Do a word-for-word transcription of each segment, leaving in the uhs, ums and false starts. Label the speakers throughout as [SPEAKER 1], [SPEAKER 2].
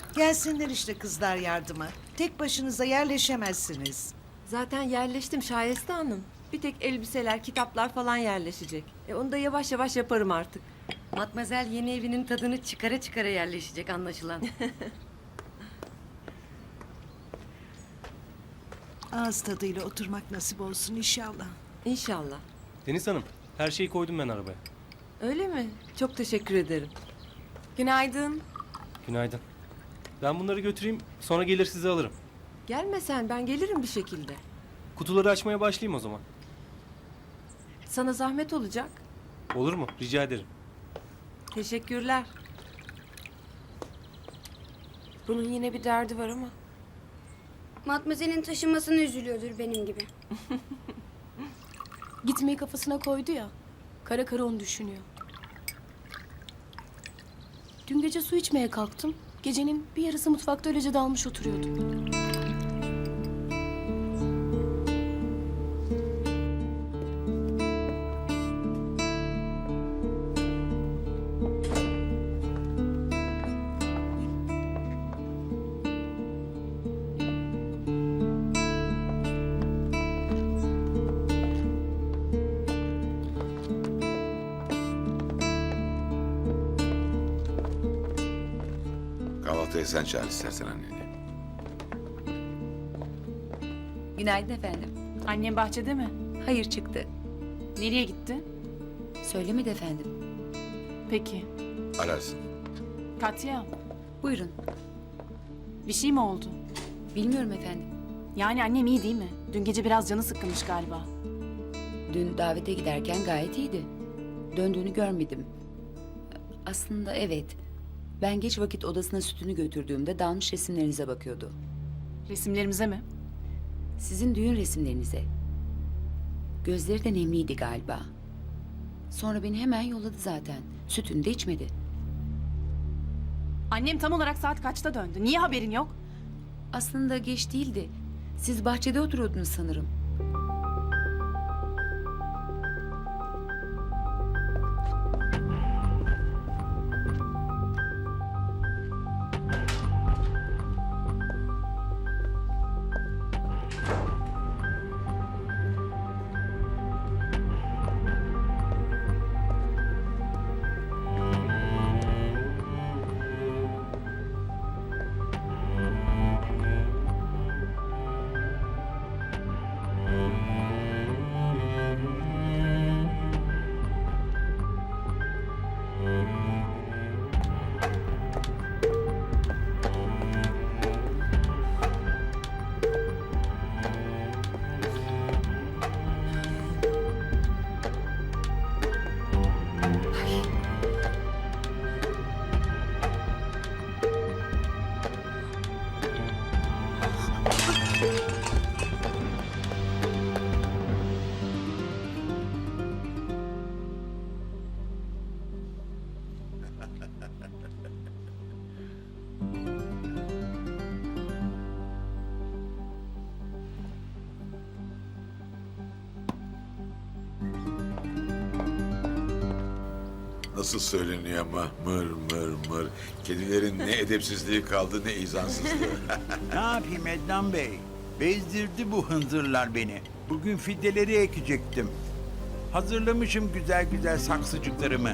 [SPEAKER 1] Gelsinler işte kızlar yardıma. Tek başınıza yerleşemezsiniz.
[SPEAKER 2] Zaten yerleştim Şayeste Hanım. Bir tek elbiseler, kitaplar falan yerleşecek. E onu da yavaş yavaş yaparım artık.
[SPEAKER 3] Matmazel yeni evinin tadını çıkara çıkara yerleşecek anlaşılan.
[SPEAKER 1] Ağız tadıyla oturmak nasip olsun inşallah.
[SPEAKER 2] İnşallah.
[SPEAKER 4] Deniz Hanım, her şeyi koydum ben arabaya.
[SPEAKER 2] Öyle mi? Çok teşekkür ederim.
[SPEAKER 5] Günaydın.
[SPEAKER 4] Günaydın. Ben bunları götüreyim, sonra gelir sizi alırım.
[SPEAKER 2] Gelme sen, ben gelirim bir şekilde.
[SPEAKER 4] Kutuları açmaya başlayayım o zaman.
[SPEAKER 2] Sana zahmet olacak.
[SPEAKER 4] Olur mu? Rica ederim.
[SPEAKER 2] Teşekkürler.
[SPEAKER 5] Bunun yine bir derdi var ama.
[SPEAKER 6] Matmazel'in taşınmasına üzülüyordur benim gibi.
[SPEAKER 7] Gitmeyi kafasına koydu ya. Kara kara onu düşünüyor. Dün gece su içmeye kalktım. Gecenin bir yarısı mutfakta öylece dalmış oturuyordum.
[SPEAKER 8] Kahvaltıya sen çağır istersen anneni.
[SPEAKER 9] Günaydın efendim.
[SPEAKER 7] Annem bahçede mi?
[SPEAKER 9] Hayır çıktı.
[SPEAKER 7] Nereye gitti?
[SPEAKER 9] Söylemedi efendim.
[SPEAKER 7] Peki.
[SPEAKER 8] Ararsın.
[SPEAKER 7] Katya,
[SPEAKER 9] Buyurun.
[SPEAKER 7] bir şey mi oldu?
[SPEAKER 9] Bilmiyorum efendim.
[SPEAKER 7] Yani annem iyi değil mi? Dün gece biraz canı sıkkınmış galiba.
[SPEAKER 9] Dün davete giderken gayet iyiydi. Döndüğünü görmedim. Aslında evet. Ben geç vakit odasına sütünü götürdüğümde dalmış resimlerinize bakıyordu.
[SPEAKER 7] Resimlerimize mi?
[SPEAKER 9] Sizin düğün resimlerinize. Gözleri de nemliydi galiba. Sonra beni hemen yolladı zaten. Sütünü de içmedi.
[SPEAKER 7] Annem tam olarak saat kaçta döndü? Niye haberin yok?
[SPEAKER 9] Aslında geç değildi. Siz bahçede oturuyordunuz sanırım.
[SPEAKER 8] Nasıl söyleniyor ama mır mır mır. Kedilerin ne edepsizliği kaldı ne izansızlığı.
[SPEAKER 10] Ne yapayım Ednan Bey? Bezdirdi bu hınzırlar beni. Bugün fideleri ekecektim. Hazırlamışım güzel güzel saksıcıklarımı.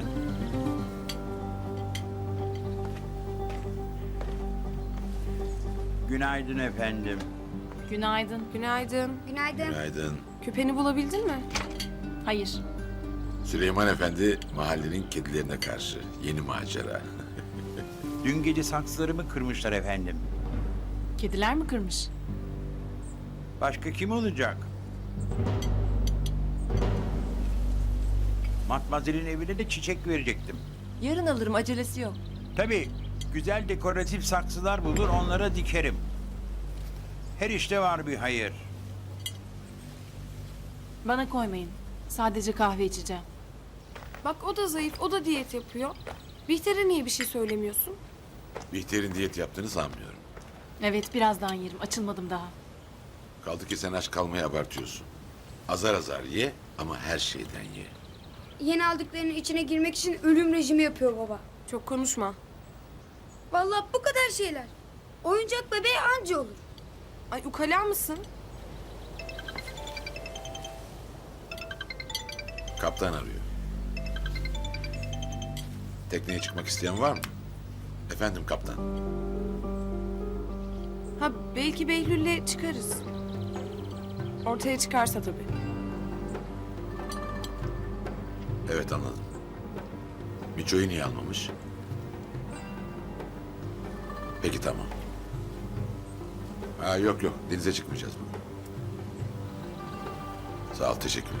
[SPEAKER 10] Günaydın efendim.
[SPEAKER 7] Günaydın.
[SPEAKER 5] Günaydın.
[SPEAKER 6] Günaydın.
[SPEAKER 8] Günaydın.
[SPEAKER 5] Küpeni bulabildin mi?
[SPEAKER 7] Hayır.
[SPEAKER 8] Süleyman Efendi mahallenin kedilerine karşı yeni macera.
[SPEAKER 10] Dün gece saksılarımı kırmışlar efendim.
[SPEAKER 7] Kediler mi kırmış?
[SPEAKER 10] Başka kim olacak? Matmazel'in evine de çiçek verecektim.
[SPEAKER 2] Yarın alırım, acelesi yok.
[SPEAKER 10] Tabii güzel dekoratif saksılar bulur onlara dikerim. Her işte var bir hayır.
[SPEAKER 7] Bana koymayın. Sadece kahve içeceğim.
[SPEAKER 5] Bak o da zayıf, o da diyet yapıyor. Bihter'e niye bir şey söylemiyorsun?
[SPEAKER 8] Bihter'in diyet yaptığını sanmıyorum.
[SPEAKER 7] Evet, birazdan yerim. Açılmadım daha.
[SPEAKER 8] Kaldı ki sen aç kalmayı abartıyorsun. Azar azar ye ama her şeyden ye.
[SPEAKER 6] Yeni aldıklarının içine girmek için ölüm rejimi yapıyor baba.
[SPEAKER 5] Çok konuşma.
[SPEAKER 6] Vallahi bu kadar şeyler. Oyuncak bebeği anca olur.
[SPEAKER 5] Ay ukala mısın?
[SPEAKER 8] Kaptan arıyor. Tekneye çıkmak isteyen var mı? Efendim kaptan.
[SPEAKER 5] Ha belki Behlül'le çıkarız. Ortaya çıkarsa tabii.
[SPEAKER 8] Evet anladım. Miço'yu niye almamış? Peki tamam. Ha yok yok denize çıkmayacağız bugün. Sağ ol teşekkürler.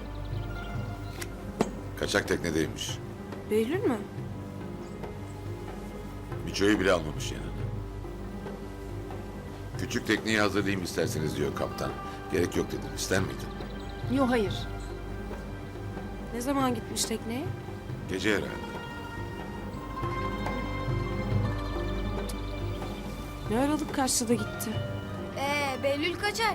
[SPEAKER 8] Kaçak teknedeymiş.
[SPEAKER 5] Behlül mü?
[SPEAKER 8] Miço'yu bile almamış yanına. Küçük tekneyi hazırlayayım isterseniz diyor kaptan. Gerek yok dedim. İster miydin?
[SPEAKER 7] Yok hayır.
[SPEAKER 5] Ne zaman gitmiş tekneye?
[SPEAKER 8] Gece herhalde.
[SPEAKER 5] Ne aralık kaçtı da gitti.
[SPEAKER 6] Ee, Behlül kaçar.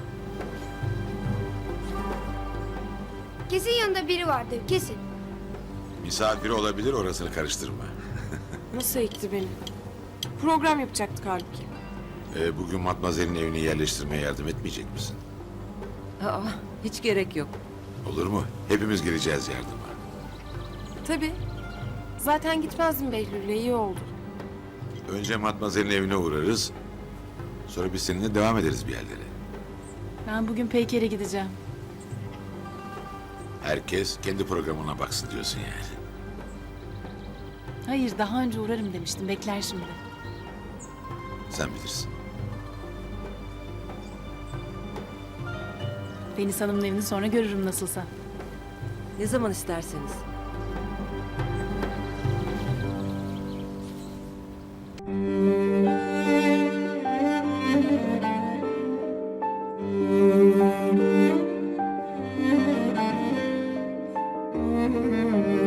[SPEAKER 6] Kesin yanında biri vardır, kesin.
[SPEAKER 8] Misafiri olabilir orasını karıştırma.
[SPEAKER 5] Nasıl ekti beni? Program yapacaktık halbuki.
[SPEAKER 8] Ee, bugün Matmazel'in evini yerleştirmeye yardım etmeyecek misin?
[SPEAKER 2] Aa, hiç gerek yok.
[SPEAKER 8] Olur mu? Hepimiz geleceğiz yardıma.
[SPEAKER 5] Tabii. Zaten gitmezdim Behlül'le, iyi oldu.
[SPEAKER 8] Önce Matmazel'in evine uğrarız. Sonra biz seninle devam ederiz bir yerlere.
[SPEAKER 7] Ben bugün Peyker'e gideceğim.
[SPEAKER 8] Herkes kendi programına baksın diyorsun yani.
[SPEAKER 7] Hayır daha önce uğrarım demiştim. Bekler şimdi.
[SPEAKER 8] Sen bilirsin.
[SPEAKER 7] Deniz Hanım'ın evini sonra görürüm nasılsa.
[SPEAKER 2] Ne zaman isterseniz.
[SPEAKER 7] Müzik